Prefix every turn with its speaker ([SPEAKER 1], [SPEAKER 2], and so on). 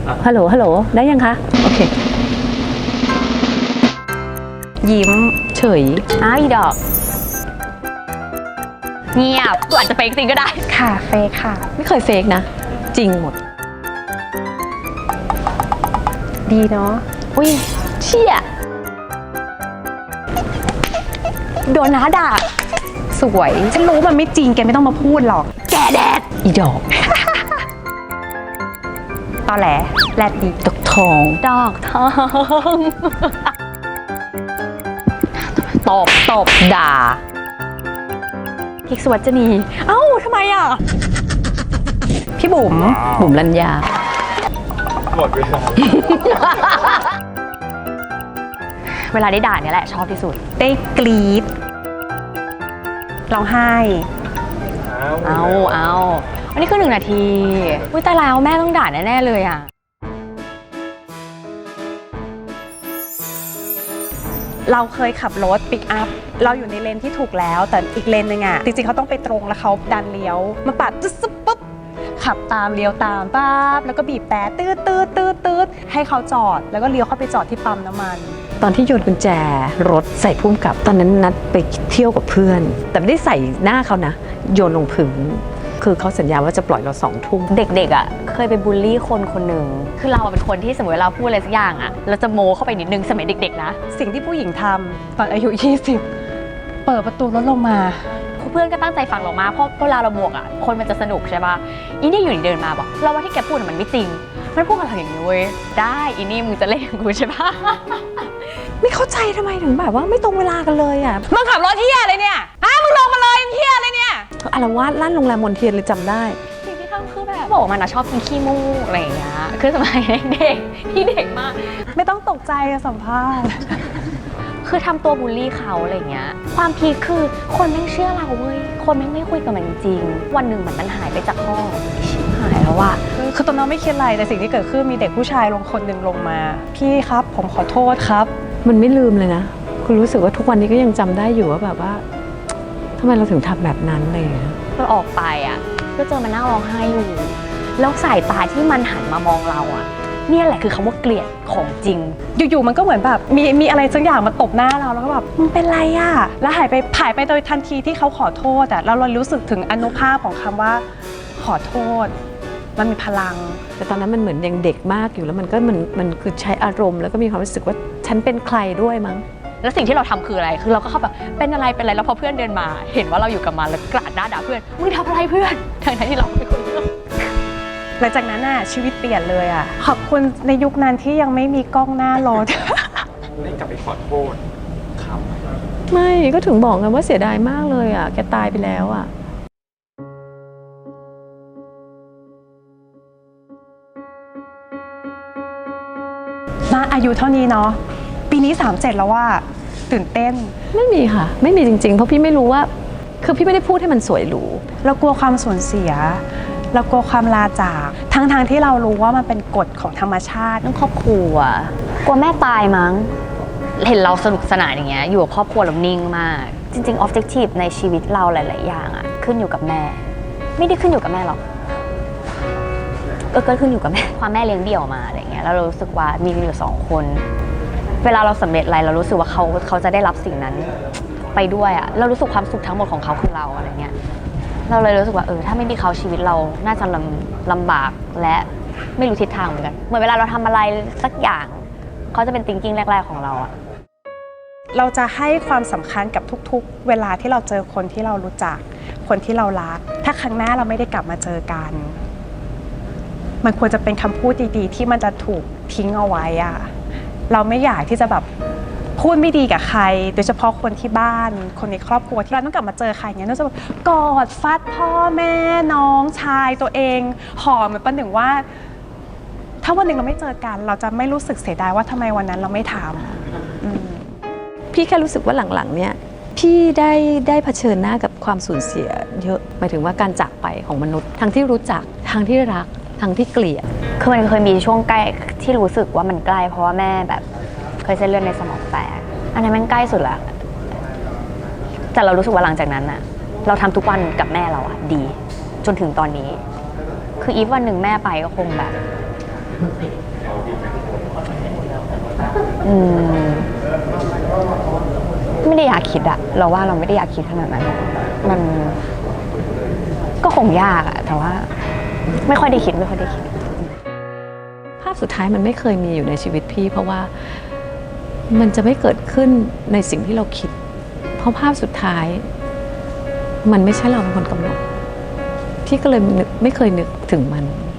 [SPEAKER 1] ฮัลโหลฮัลโหลได้ยังคะโอเคยิ้มเฉยอ้าวอีดอกเงียบตัวอาจจะเฟกจริงก็ได้
[SPEAKER 2] ค่ะเฟกค่ะ
[SPEAKER 1] ไม่เคยเฟกนะจริงหมด
[SPEAKER 2] ดีเนาะ
[SPEAKER 1] อุ้ยเชี่ยโดนน้าด่า
[SPEAKER 2] สวยฉันรู้มันไม่จริงแกไม่ต้องมาพูดหรอก
[SPEAKER 1] แกแดดอีดอก
[SPEAKER 2] ตอแหลแรดดี
[SPEAKER 1] ดอกทองดอกทองตบด่าพิกสวัจนีเอ้าทำไมอ่ะ
[SPEAKER 2] พี่บุ๋ม
[SPEAKER 1] รัญญา
[SPEAKER 3] หมดเวลา
[SPEAKER 1] เวลาได้ด่าเนี่ยแหละชอบที่สุด
[SPEAKER 2] ได้กรี๊ดร้องไห้
[SPEAKER 1] เอาอันนี้คือ1 นาทีอุ้ยตายแล้วแม่ต้องด่าแน่ๆเลยอ่ะ
[SPEAKER 2] เราเคยขับรถปิกอัพเราอยู่ในเลนที่ถูกแล้วแต่อีกเลนนึงอ่ะจริงๆเขาต้องไปตรงแล้วเขาดันเลี้ยวมาปัดตึ๊ดปุ๊บขับตามเลี้ยวตามป๊บแล้วก็บีบแต่ตืดให้เขาจอดแล้วก็เลี้ยวเข้าไปจอดที่ปั๊มน้ำมัน
[SPEAKER 1] ตอนที่โยนกุญแจรถใส่พุ่มกับตอนนั้นนัดไปเที่ยวกับเพื่อนแต่ไม่ได้ใส่หน้าเขานะโยนลงพื้นคือเขาสัญญาว่าจะปล่อยเรา2 ทุ่มเด็กๆอ่ะเคยไปบูลลี่คนหนึ่งคือเราเป็นคนที่สมมติเราพูดอะไรสักอย่างอ่ะเราจะโม้เข้าไปนิดนึงสมัยเด็กๆนะ
[SPEAKER 2] สิ่งที่ผู้หญิงทำตอนอายุ20เปิดประตูรถลงมา
[SPEAKER 1] เพื่อนก็ตั้งใจฟังเรามากเพราะเวลาเราบวกอ่ะคนมันจะสนุกใช่ป่ะอีนี่อยู่ดีเดินมาบอกเราว่าที่แกพูดมันไม่จริงมันพูดกับเราอย่างนี้เว้ยได้อีนี่มึงจะเล่นกูใช่ป่ะไม่เข้าใจทำไมถึงแบบว่าไม่ตรงเวลากันเลยอ่ะ
[SPEAKER 2] มึงขับรถเที่ยอะไรเนี่ยมึงลงมาเลยเที่ยอะไรเนี่ย
[SPEAKER 1] อารวาสลั่นโรงแรมมนเทียนเลยจำได้สิ่งที่ทำคือแบบบอกมันนะชอบกินขี้มูกอะไรอย่างเงี้ยคือสมัยเด็กพี่เด็กมาก
[SPEAKER 2] ไม่ต้องตกใจสัมภาษณ์
[SPEAKER 1] คือทำตัวบูลลี่เขาอะไรเงี้ยความพีคคือคนไม่เชื่อเราเว้ยคนไม่คุยกับมันจริงวันหนึ่งมันหายไปจากห้องชิบหายแล้วว่ะ
[SPEAKER 2] คือตอนนั้นไม่คิดอะไรแต่สิ่งที่เกิดขึ้นมีเด็กผู้ชายคนหนึ่งลงมาพี่ครับผมขอโทษครับ
[SPEAKER 1] มันไม่ลืมเลยนะคุณรู้สึกว่าทุกวันนี้ก็ยังจำได้อยู่ว่าแบบว่าทำไมเราถึงทำแบบนั้นเลยเราออกไปอ่ะก็เจอมันนั่งร้องไห้อยู่แล้วสายตาที่มันหันมามองเราอ่ะเนี่ยแหละคือคำว่าเกลียดของจริง
[SPEAKER 2] อยู่ๆมันก็เหมือนแบบมีอะไรสักอย่างมาตบหน้าเราแล้วก็แบบมึงเป็นไรอ่ะแล้วหายไปโดยทันทีที่เขาขอโทษอ่ะแล้วเรารู้สึกถึงอานุภาพของคำว่าขอโทษมันมีพลัง
[SPEAKER 1] แต่ตอนนั้นมันเหมือนยังเด็กมากอยู่แล้วมันก็มันคือใช้อารมณ์แล้วก็มีความรู้สึกว่าฉันเป็นใครด้วยมั้งแล้วสิ่งที่เราทำคืออะไรคือเราก็เข้าแบบเป็นอะไรแล้วพอเพื่อนเดินมาเห็นว่าเราอยู่กับมันแล้วกราดหน้าด่าเพื่อนมึงทำอะไรเพื่อนทั้งที่เราไม่คุยเรื่อง
[SPEAKER 2] หลังจากนั้นน่ะชีวิตเปลี่ยนเลยอ่ะขอบคุณในยุคนั้นที่ยังไม่มีกล้องหน้ารถ
[SPEAKER 3] ได้กลับไปขอโทษครับ
[SPEAKER 1] ไม่ก็ถึงบอกไงว่าเสียดายมากเลยอ่ะแกตายไปแล้วอ่ะ
[SPEAKER 2] ณอายุเท่านี้เนาะปีนี้37แล้วว่าตื่นเต้น
[SPEAKER 1] ไม่มีค่ะไม่มีจริงๆเพราะพี่ไม่รู้ว่าคือพี่ไม่ได้พูดให้มันสวยหรู
[SPEAKER 2] เรากลัวความสูญเสียเรากลัวความลาจากทั้งที่เรารู้ว่ามันเป็นกฎของธรรมชาติ
[SPEAKER 1] เรื่องครอบครัวกลัวแม่ตายมั้งเห็นเราสนุกสนานอย่างเงี้ยอยู่กับครอบครัวเรานิ่งมากจริงๆ objective ในชีวิตเราหลายๆอย่างอะขึ้นอยู่กับแม่ไม่ได้ขึ้นอยู่กับแม่หรอกก็ขึ้นอยู่กับแม่ความแม่เลี้ยงเดี่ยวมาอะไรเงี้ยแล้วเรารู้สึกว่ามีอยู่2 คนเวลาเราสำเร็จอะไรเรารู้สึกว่าเขาจะได้รับสิ่งนั้นไปด้วยอะเรารู้สึกความสุขทั้งหมดของเขาคือเราอะไรเงี้ยเราเลยรู้สึกว่าถ้าไม่มีเขาชีวิตเราน่าจะลำบากและไม่รู้ทิศทางเหมือนกันเหมือนเวลาเราทำอะไรสักอย่างเขาจะเป็น thinking แรกๆของเราอะ
[SPEAKER 2] เราจะให้ความสำคัญกับทุกๆเวลาที่เราเจอคนที่เรารู้จักคนที่เรารักถ้าครั้งหน้าเราไม่ได้กลับมาเจอกันมันควรจะเป็นคำพูดดีๆที่มันจะถูกทิ้งเอาไว้อะเราไม่อยากที่จะแบบพูดไม่ดีกับใครโดยเฉพาะคนที่บ้านคนในครอบครัวที่เราต้องกลับมาเจอใครอย่างเงี้ยเราจะแบบกอดฟัดพ่อแม่น้องชายตัวเองหอมเหมือนประหนึ่งว่าถ้าวันหนึ่งเราไม่เจอกันเราจะไม่รู้สึกเสียดายว่าทำไมวันนั้นเราไม่ทำ
[SPEAKER 1] พี่แค่รู้สึกว่าหลังๆเนี่ยพี่ได้เผชิญหน้ากับความสูญเสียเยอะหมายถึงว่าการจากไปของมนุษย์ทั้งที่รู้จักทั้งที่รักทั้งที่เกลียดคือมันเคยมีช่วงใกล้ที่รู้สึกว่ามันใกล้เพราะว่าแม่แบบเคยเส้นเลือดในสมองแตกอันนั้นมันใกล้สุดละแต่เรารู้สึกว่าหลังจากนั้นอะเราทำทุกวันกับแม่เราอะดีจนถึงตอนนี้คืออีฟวันหนึ่งแม่ไปก็คงแบบอืมไม่ได้อยากคิดอะเราว่าเราไม่ได้อยากคิดขนาดนั้นมันก็คงยากอะแต่ว่าไม่ค่อยได้คิด
[SPEAKER 4] ภาพสุดท้ายมันไม่เคยมีอยู่ในชีวิตพี่เพราะว่ามันจะไม่เกิดขึ้นในสิ่งที่เราคิดเพราะภาพสุดท้ายมันไม่ใช่เราเป็นคนกำหนดพี่ก็เลยไม่เคยนึกถึงมัน